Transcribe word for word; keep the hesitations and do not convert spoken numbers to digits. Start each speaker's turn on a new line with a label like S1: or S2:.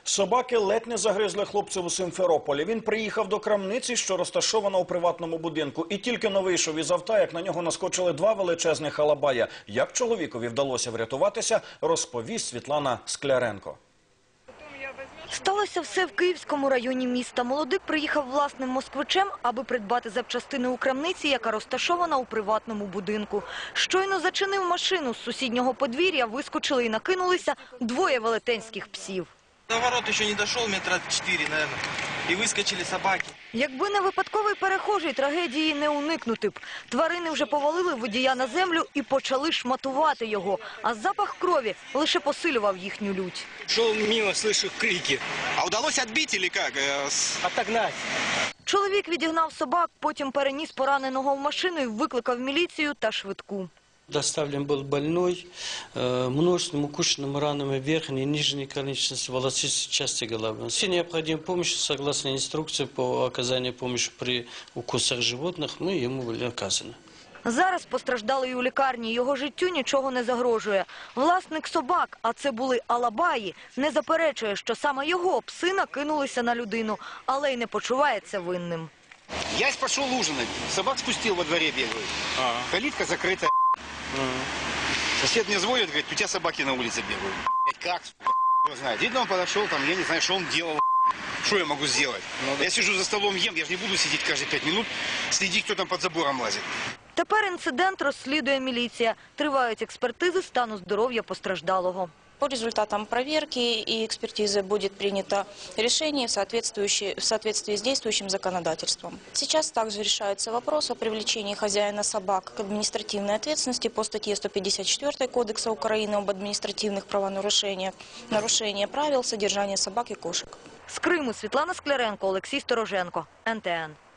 S1: Собаки ледь не загризли хлопця у Симферополі. Він приїхав до крамниці, що розташована у приватному будинку. І тільки но вийшов із авто, як на нього наскочили два величезних алабая. Як чоловікові вдалося врятуватися, розповість Світлана Скляренко.
S2: Сталося все в Київському районі міста. Молодик приїхав власним москвичем, аби придбати запчастини у крамниці, яка розташована у приватному будинку. Щойно зачинив машину, з сусіднього подвір'я вискочили і накинулися двоє велетенських псів.
S3: До ворот ще не дійшов, метра чотири, мабуть, і вискочили собаки.
S2: Якби не випадковий перехожий, трагедії не уникнути б. Тварини вже повалили водія на землю і почали шматувати його. А запах крові лише посилював їхню лють.
S4: Шел мимо, слышу крики.
S3: А вдалося відбити, чи як?
S4: Отогнать.
S2: Чоловік відігнав собак, потім переніс пораненого в машину і викликав міліцію та швидку.
S5: Доставлен был больной, э, множественными укушенными ранами верхней и нижней конечности, волосистой части головы. Все необходимые помощи, согласно инструкции по оказанию помощи при укусах животных, мы ему были оказаны.
S2: Зараз постраждалий у лікарні, його життю нічого не загрожує. Власник собак, а це були алабаї, не заперечує, що саме його пси накинулися на людину, але й не почувається винним.
S6: Я пошел ужинать, собак спустил во дворе бегают, ага. Калитка закрыта. Ага. Сосед мне звонит, говорит, у тебя собаки на улице бегают. Как? Кто знает. Видно, он подошел, там, я не знаю, что он делал. Что я могу сделать? Ну, я сижу за столом, ем, я же не буду сидеть каждые пять минут, следить, кто там под забором лазит.
S2: Тепер інцидент розслідує міліція. Тривають експертизи стану здоров'я постраждалого.
S7: По результатам проверки и экспертизы будет принято решение в соответствующей- в соответствии с действующим законодательством. Сейчас также решается вопрос о привлечении хозяина собак к административной ответственности по статье сто пятьдесят четыре Кодекса Украины об административных правонарушениях, нарушение правил содержания собак и кошек.
S2: З Криму Світлана Скляренко, Олексій Стороженко, ен те ен.